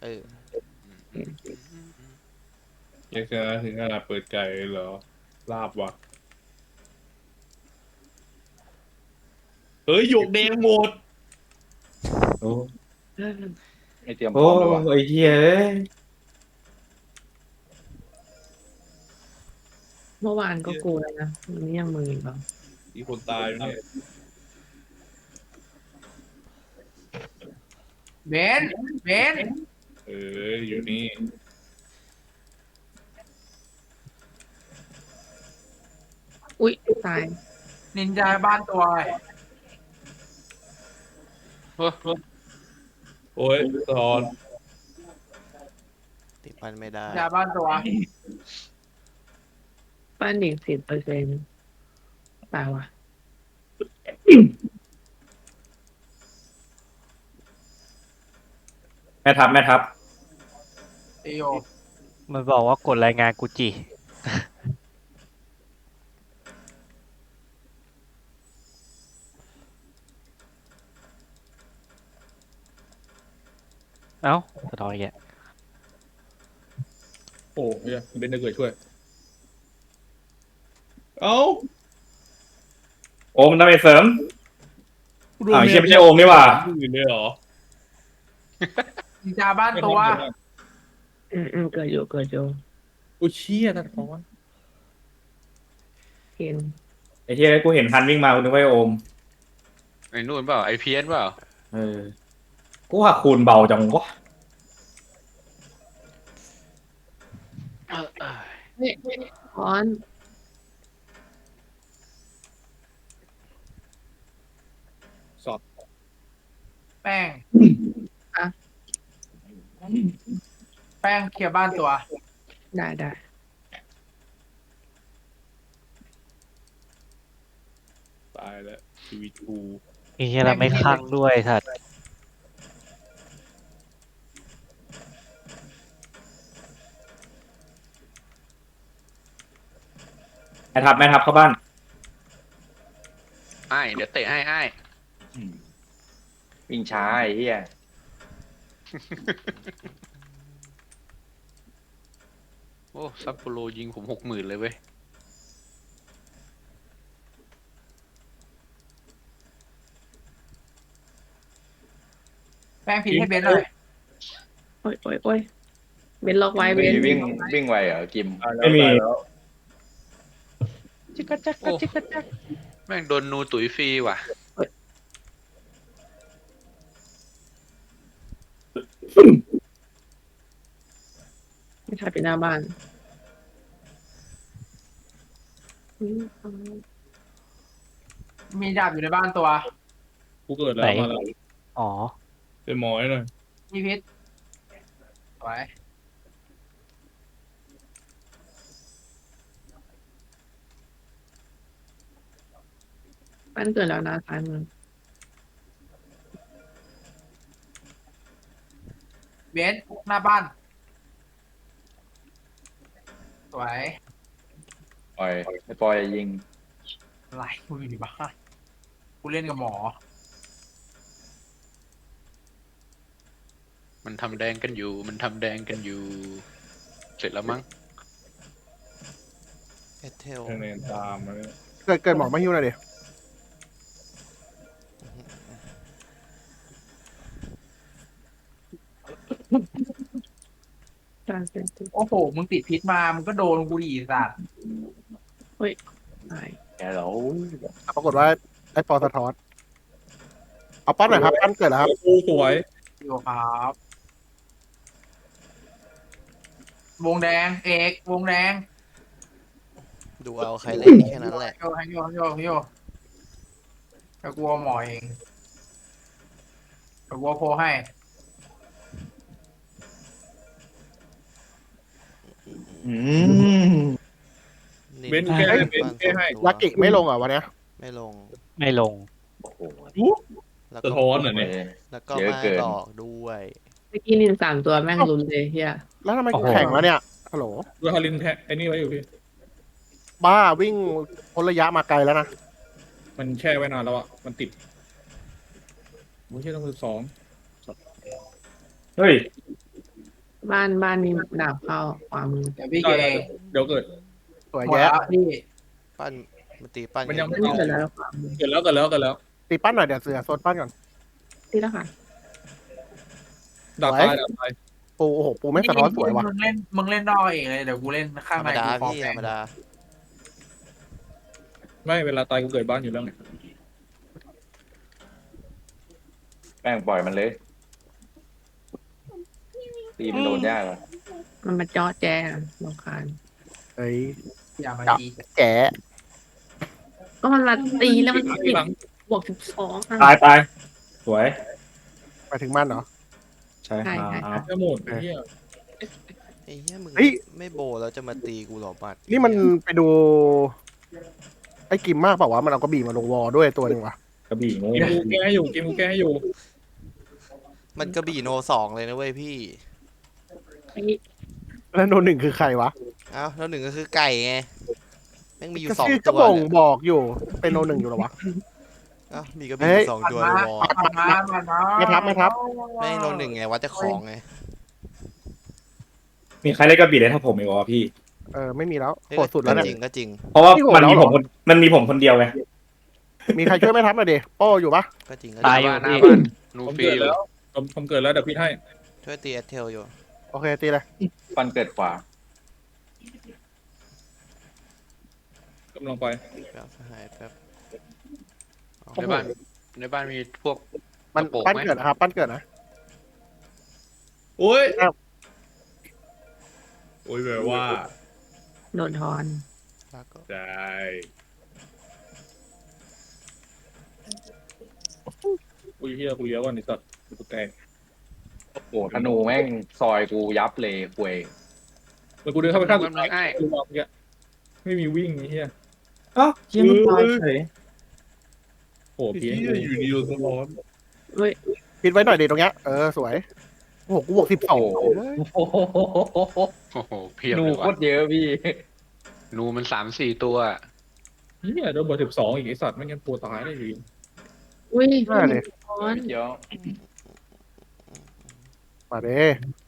ออยังชนะถึงขนาดเปิดไก่เหรอลาบวะเฮ้ยหยกแดงหมดโอ้ไม่เตรียมพโอ้ร้อมเลยวะไอ้เหี้ยเอ้ยเมื่อวานก็กูแล้วนะวันนี้ยังมืออีกเหรอมีคนตายเนี่ยเบนเบนเอออยู่นี่อุ๊ยตายนินจาบ้านตัวอะไรโอ้ยตอนติดมันไม่ได้นินจาบ้านตัวป้านอีก10%ตายว่ะแม่ทัพเอโยมันบอกว่ากดรายงานกูจิเอ้าสะท้อนอีกแล้วโอ้ยเบนจะเกิดช่วย เอ้าโอมทำไมเสริมอ้าวเชี่ยไม่ใช่โอมนี่หว่าอื่นเลยเหรอนินจาบ้านตัวเกิดอยู่อุ้ยเชี่ยตัดคอนเห็นไอ้เหี้ยกูเห็นฮันวิ่งมากูนึกว่าไอ้โอมไอ้นู่นเปล่าไอพีเอสเปล่าเออกูว่าคูณเบาจังวะค้อนสอดแป้งอะแป้งเคลียร์บ้านตัวได้ตายแล้วชีวิตกูไอ้เหี้ยเราไม่ข้างด้วยสัตว์แม่ทัพเข้าบ้านไอ้เดี๋ยวเตะให้ไอ้วิ่งช้าไอ้เหี้ยโอ้ซัปโปโรยิงผม60,000เลยเว้ยแป้งผิดให้เบนเลยโอ้ยเบนล็อกไว้เบนวิ่งไวเหรอกิมไม่มีตายแล้วจิกกะจักกะจิกกะจักแม่งโดนนูตุ๋ยฟรีว่ะไม่ใช่ไปหน้าบ้านอุ๊ยมีดาบอยู่ในบ้านตัวกูเกิดแล้วมาแล้วอ๋อเป็นหมอให้หน่อยมีพิษไว้บ้านเกิดแล้วนะซ้ายมือเบนหน้าบ้านสวยปล่อยไอ้ปล่อยยิงอะไรกูอยู่ในบ้านกูเล่นกับหมอมันทำแดงกันอยู่ มันทำแดงกันอยู่ เสร็จแล้วมั้งเอเทลคะแนนตามมาเนี่ยเกิดหมอมาฮิวหน่อยดิการเซ็นติโอ้โหมึงติดพิษมามึงก็โดนกูดีสัตว์ตายแกเหรอปรากฏว่าไอ้ปอสะท้อนเอาป้อนหน่อยครับป้อนเกิดแล้วครับโอ้สวยอยู่ครับ วงแดงเอกวงแดงดูเอาใครเล่นแค่นั้นแหละโยให้โยจะกลัวหมอเองจะกลัวโพให้อืมนี่เบนแก้เบนแก้ให้ยากิไม่ลงเหรอ่ะวันเนี้ยไม่ลงไม่ลงโอ้โหแล้วสะก็ท้อนเหรอเนี่ยแล้วก็เยอะมาเกินดอกด้วยเมื่อกี้นิน3 ตัวแม่งลุมเลยเฮียแล้วทำไมโอ้โหแข่งแล้วเนี่ยฮัลโหลดูฮารินแทะไอ้นี่ไว้อยู่พี่บ้าวิ่งพ้นระยะมาไกลแล้วนะมันแช่ไว้นานแล้วอ่ะ มันติดโอ้ยเชี่ยต้องมือสองเฮ้ยบ้านมีดาบเข้าขวามือเดี๋ยวพี่เกได้ย์เดี๋ยวเกิดสวยหมดแยะแล้วพี่ปั้นมันตีปั้นมันยังอันนี้เกิดแล้วขวามือเกิดแล้วตีปั้นหน่อยเดี๋ยวเสือโซนปั้นก่อนที่แล้วค่ะดับตายดับตายปูโอ้โหปูไม่งสะท้อนสวยว่ะมึงเล่นนอกเองเลยเดี๋ยวกูเล่นข้างธรในรมดากูฟอร์พี่แฟธรงรมดาไม่เวลาตายกูเกิดบ้านอยู่แล้วไงแป้งปล่อยมันเลยตีมันโดนยากว่ะมันมาจอแจรำคาญเอ้ยอย่ามาดีแกะก็มันมาตีแล้วมันหลังติดหลังบวก12อ่ะตายสวยไปถึงมันเหรอใช่ใช่ครับจะหมดไอ้เหี้ยไอ้เหี้ยมึงเฮ้ยไม่โบแล้วจะมาตีกูหรอบัดนี่มันไปดู ไอ้กิมมากเปล่าวะมันเอากระบี่มาลงวอตัวหนึ่งวะกระบี่งูเกมกูแก้ให้อยู่เกมกูแก้ให้อยู่มันกระบี่โนสองเลยนะเว้ยพี่แล้วโนหนึ่งคือใครวะเอ้าแล้วหนึ่งก็คือไก่ไงแม่งมีอยู่ก็สองชื่อตัก็วบ่งเนี่ยบอกอยู่เป็นโนหนึ่งอยู่เหรอวะเอ้ามีกระบี่อยู่สองตัวในวอลมันมาไม่ทับแม่งโนหนึ่งไงวัดจะของไงมีใครเล่นกระบี่ได้เท่าผมอีกวะพี่ไม่มีแล้วเอ้ยโหดสุดแล้วเนี่ยจริงก็จริงเพราะว่าพี่โหดมันมีแล้วเหรอมันมีผมคนเดียวไงมีใครช่วยไม่ทับหน่อยดิโป้อยู่ปะก็จริงก็ตาจยริงอยู่หน้าพี่บ้านนูผมฟรีเกิดอยู่แล้วผมเกิดแล้วเดี๋ยวพี่ให้ช่วยตีแอตเทลอยู่โอเคตีเลยฟันเกิดขวากำลังไปแป๊บหายแป๊บในบ้านมีพวกมันกระโปรงปั้นไหมเกิดนะครับปั้นเกิดนะโอ้ยอ้าวโอ้ยแบบว่าโดนทอนแล้วก็ได้อุ้ยเฮียกูเลี้ยวก่อนไอ้สัตว์กูแตกโอ้โหธนูแม่งซอยกูยับเลยควยเมื่อกูเดินเข้าไปข้างสุดมันท้ายง่ายกูมองเมื่อกี้ไม่มีวิ่งไอ้เฮียอ้าวเฮียมันตายเฉยโอ้พี่อยู่ดีๆร้อนเฮ้ยปิดไว้หน่อยดิตรงเนี้ยสวยโอ้โหกูบวก12 โอ้โหโอ้โหเพียบธนูเลยโคว่ะตรเยอะพี่นูมัน3-4 ตัวเฮียโดนเบอร์12อีกไอ้สัตว์ไม่งั้นตัวตายได้อยู่ดีอุ้ยน่าเลยทอนเดี๋ยวมาเด้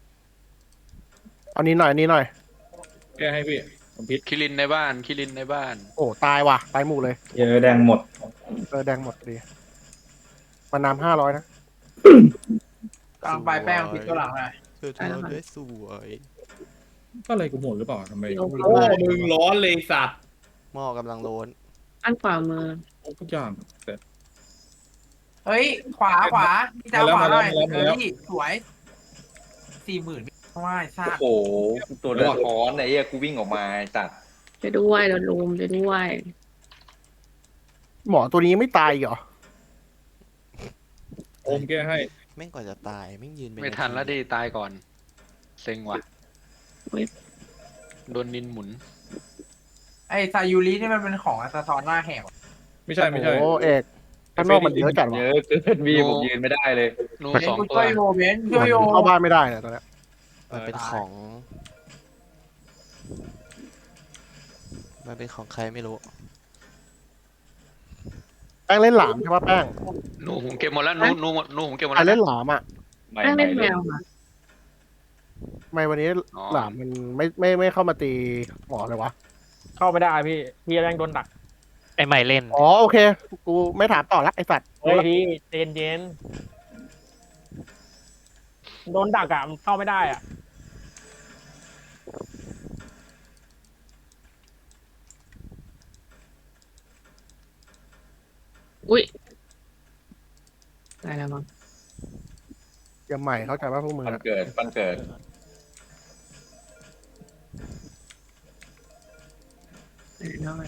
เอานี้หน่อยนี่หน่อยแก้ให้พี่ผมพิษคิรินในบ้านโอ้ตายว่ะตายหมู่เลยเยอะแดงหมดแดงหมดดีมันน้ำ500นะกลางปลายแป้งปิดตัวหลังหน่อยช่วยทำด้วยสวยก็อะไรกูหมดหรือเปล่าทำไมโอ้โอ้มึงร้อนเลยสัตว์หม้อกำลังโลนอันขวามือทุกอย่างแต่เฮ้ยขวาพี่จ้าขวาหน่อยพี่สวย40,000ว่าทราโอ้บโหตัวเดือดร้อนไอ้เหี้ยกูวิ่งออกมาไอ้สัตว์จะด้วยโดนลุมจะด้วยหมอตัวนี้ไม่ตายอีกเหรอโอมแก้ให้แม่งก่อนจะตายแม่งยืนเป็นไม่ทันแล้วดิตายก่อน เซ็งว่ะเว้ยโดนนินหมุนไอ้ซายูรินี่มันเป็นของสะท้อนหน้าแหกไม่ใช่ไม่ใช่โอ้เอกข้างนอกมันเยอะจัดเยวะอะเกินพี่ผมยืนไม่ได้เลยนูเบน 2 กูตัวช่วยโยเบนช่วยโยเข้าบ้านไม่ได้เนี่ยตอนเนี้ยมันเป็นของ มันเป็นของใครไม่รู้แป้งเล่นหลามใช่ปะแป้งนูผมเก็บหมดแล้วนูผมเก็บหมดใครแล้วเล่นหลามอ่ะไม่แป้งไม่เล่นแมเลยวค่ะทำไมวันนี้อ๋อหลามมันไม่เข้ามาตีหมอเลยวะเข้าไม่ได้พี่แม่งโดนดักไอ้ใหม่เล่นอ๋อโอเค กูไม่ถามต่อละไอสัตว์เฮ้ยพี่เย็นโดนดักอ่ะมันเข้าไม่ได้อ่ะอุ้ยตายแล้วมั้งยังใหม่เข้าใจว่าพวกมึงฟันอะเกิดตายแล้ว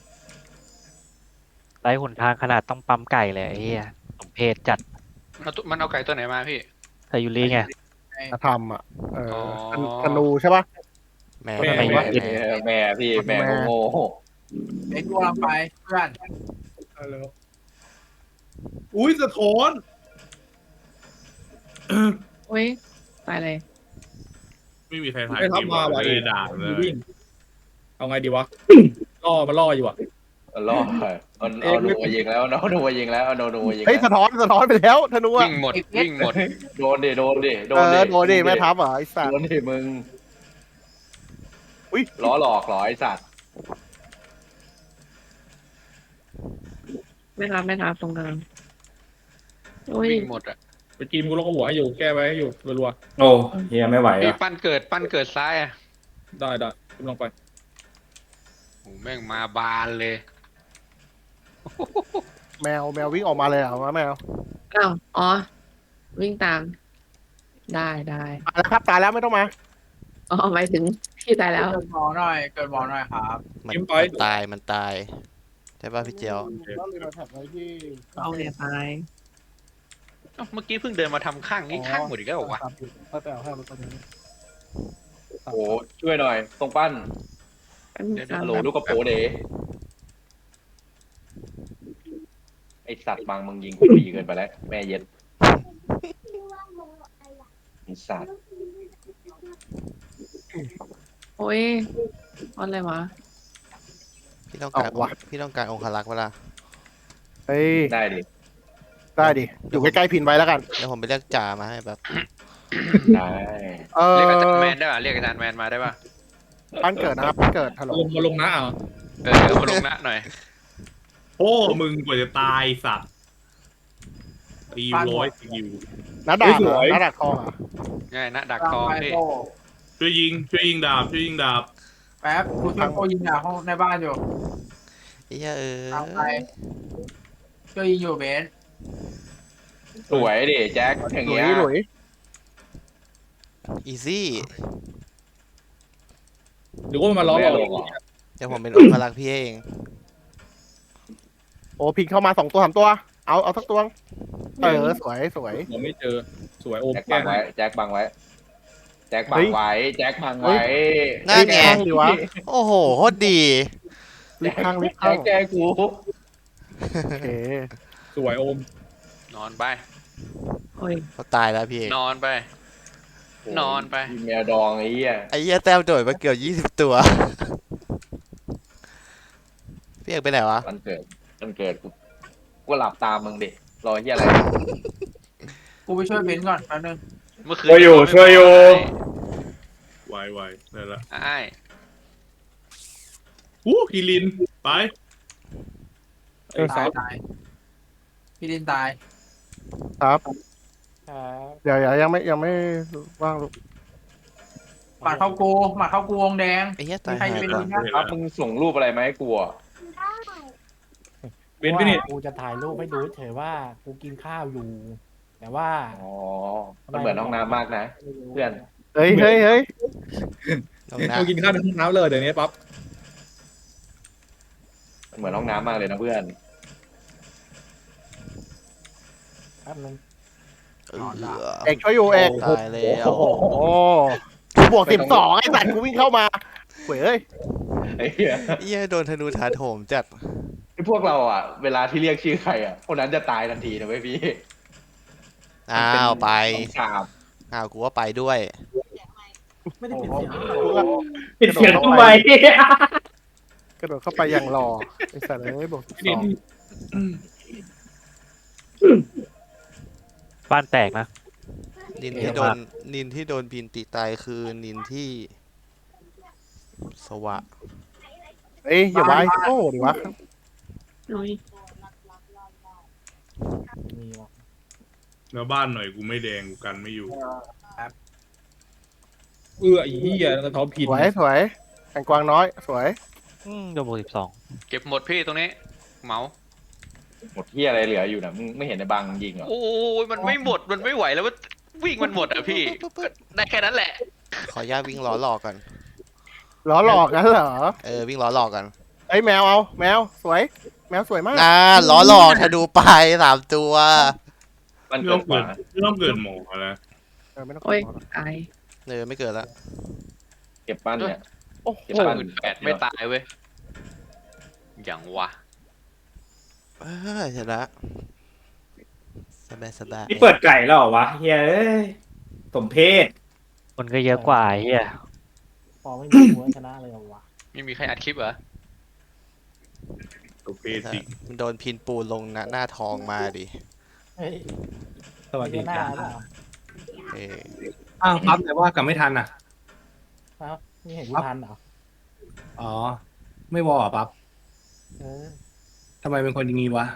ไร้หนทางขนาดต้องปั๊มไก่เลยไอ้เหี้ยสมเพศจัดมันเอาไก่ตัวไหนมาพี่ไซยูริไงทำอ่ะอ๋อธนูใช่ปะแม่แม่แม่แม่แม่แม่พี่แม่โง่เบนกูกำลังไปเพื่อนแล้วอุ้ยสะท้อนอุ้ยตายเลยไม่มีใครถ่ายไอ้ทับมาว่ะเลยด่าเลยวิ่งเอาไงดีวะล่อมาล่ออยู่อ่ะรอดเอาหนูมายิงแล้วเอาหนูมายิงแล้วเอาหนูมายิงเฮ้ยแล้วสะท้อนไปแล้วธนูอะวิ่งหมดวิ่งหมดโดนดิโดนดิโดเอนดิอโดนดิแม่ทัพเหรอไอ้สัตโดว์นดิมึงอุ้ยล้อหลอกเหรอไอ้สัตว์ไม่รับตรงกลางโอ้ยวิ่งหมดอ่ะไปกินกูลงหัวให้อยู่แก้ไว้ให้อยู่รัวโอ้เฮียไม่ไหวพี่อ่ะปั้นเกิดซ้ายอ่ะๆได้ขึ้นลงไปโอ้แม่งมาบานเลยแมววิ่งออกมาเลยเหรอวะแมวอ้าวอ๋อ วิ่งตาม ได้ตายแล้วครับตายแล้วไม่ต้องมาอ๋อหมายถึงพี่ตายแล้วเกิดหมอหน่อยเกิดหมอหน่อยครับมันตายใช่ป่ะพี่เจียวเอาเนี่ยตายเอ้าเมื่อกี้เพิ่งเดินมาทำข้างนี้ข้างหมดอีกแล้วเหรอวะโอ้ช่วยหน่อยตรงปั้นเดี๋ยวฮัลโหลลูกกระโปเดไอสัตว์บางมึงยิงกูดีเกินไปแล้วแม่เย็ดไอสัตว์โอ้ยอะไรวะพี่ต้องการเอาวะพี่ต้องการองคลักษ์เวลาเฮ้ยได้ดิได้ดิอยู่ใกล้ๆพินไว้แล้วกันเดี๋ยวผมไปเรียกจ่ามาให้แบบได้เรียกอาจารย์แมนได้ป่ะเรียกอาจารย์แมนมาได้ป่ะปั้นเกิดนะครับปั้นเกิดฮัลโหลมาลงนะอ่ะเอามาลงหน้าหน่อยโอ้มึงกว่าจะตายสัตว์ตีร้อยสกิลน้าดาบเหรอน้าดาบทองเหรอง่ายนะดักทองพี่ช่วยยิงดาบแป๊บกูช่วยโคยิงห้องในบ้านอยู่ไอ้เหี้ยเออตามไปช่วยยิงอยู่เบนสวยดิแจ็คอย่างหลุเงี้ยยหลุยอีซี่หรือว่ามันมาล้อไม่เราลงเหรอเดี๋ยวผมเป็นองคลักษ์พี่เองโอ้พินเข้ามา2 ตัว 3 ตัว เอาสักตัวสวยผมไม่เจอสวยโอมแจ็คแก้บังไว้แจ็คบังไว้แจ็คบังเฮ้ยไว้แจ็คบังไว้นั่นไงข้างดีวะโอ้โหโคตรดีลิฟข้างแจ็คแกกูโอเคสวยโอมนอนไปโอ้ยเขาตายแล้วพี่เองนอนไป นอนไปกินแมวดองไอ้เหี้ยไอ้เหี้ยแต้มโดดมาเกือบ20 ตัว พี่เอกไปไหนวะมันเกิดกูหลับตามมึงดิรอเหี้ยอะไรกูไปช่วยเบนก่อนแป๊บนึงเมื่อคืนช่วยอยู่ไวได้ละไอ้กีรินไปตายพี่ดินตายครับเดี๋ยวยังไม่ว่างลูกหมัดเข้ากูวงแดงไอ้เหี้ยมีตายใครหาจะยเป็นก่อดีนนะครับมึงส่งรูปอะไรมาให้กูอ่ะเบนพี่นี่กูจะถ่ายรูปให้ดูเฉยว่ากูกินข้าวอยู่ แต่ว่าอ๋อมันเหมือนห้องน้ำมากนะ เพื่อนเฮ้ยน้องนะกูกินข้าวในห้องน้ำเลยเดี๋ยวนี้ปั๊บมันเหมือนห้องน้ำมากเลยนะเพื่อนแป๊บนึงเอกช่วยอยู่เอกตายแล้วโอ้กูบวก12ไอ้สัตว์กูวิ่งเข้ามาเว้ยไอ้เหี้ยไอ้เหี้ยโดนธนูถาโถมจัดไอ้พวกเราอ่ะ เวลาที่เรียกชื่อใครอ่ะคนนั้นจะตายทันทีนะเว้ยพี่อ้าวไปสามอ้าวกูว่าไปด้วยไม่ได้ปิดเสียงปิดเสียงทำไมกระโดดเข้าไปอย่างรอไอ้สัตว์เลยบวกพี่นี่บ้านแตกนะนินที่โดนพินติตายคือนินที่ สวะเอ้ยอย่าไว้โอ้ดิวะโอ้ยมีวะแล้วบ้านหน่อยกูไม่แดงกูกันไม่อยู่ไอ้เหี้ยกระท้อผิดสวยแข่งกวางน้อยสวยโดนบวก12 เก็บหมดพี่ตรงนี้ เหมาหมดที่อะไรเหลืออยู่นะมึงไม่เห็นในบางยิงเหรอโอ้ยมันไม่หมดมันไม่ไหวแล้วว่าวิ่งมันหมดอ่ะพี่ได้แค่นั้นแหละขออนุญาตวิ่งล้อหลอกก่อนล้อหลอกงั้นเหรอวิ่งล้อหลอกกันไอ้แมวแมวสวยแมวสวยมากล้อหลอกธนูไป3 ตัวมันไม่เกิต้อดงกว่าเกิดหมอแล้วไม่ต้องโอ้ยตายไม่เกิดละเก็บปั้นเนี่ยโอ้โหเก็บปั้น 18ไม่ตายเว้ยอย่างวะชนะสบายนี่เปิดไก่แล้วเหรอวะเฮียเอ้ยสมเพศคนก็เยอะกว่าไอ้เหี้ยพอไม่มีหัวชนะเลยเหรอวะไม่มีใครอัดคลิปเหรอตัวเพศจริงมันโดนพินปูนลงหน้าท้องมาดิเฮ้ยสวัสดีหน้าครับเปล่าเอออ้าวปั๊บแต่ว่ากลับไม่ทันอ่ะเอ้านี่เห็นกูทันเหรออ๋อ ไม่วอลอ่ะปั๊บเออทำไมเป็นคนอย่างงี้วะ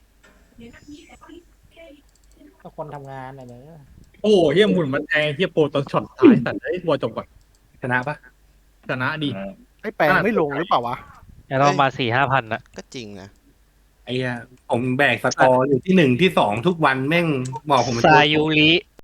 ก็คนทำงานน่ะเนอะโอ้เฮียหมุนมันแทงเฮียโปรตอนช็อตท้ายสัตว์ไอ้วัวจบก่อนชนะปะชนะดิไอ้แปลงไม่ลงหรือเปล่าวะแล้วเรามา4-5 พันอะก็จริงนะไอ้เหี้ยผมแบกสกอร์อยู่ที่1 ที่ 2ทุกวันแม่งบอกผมเป็นซาตัวยูริ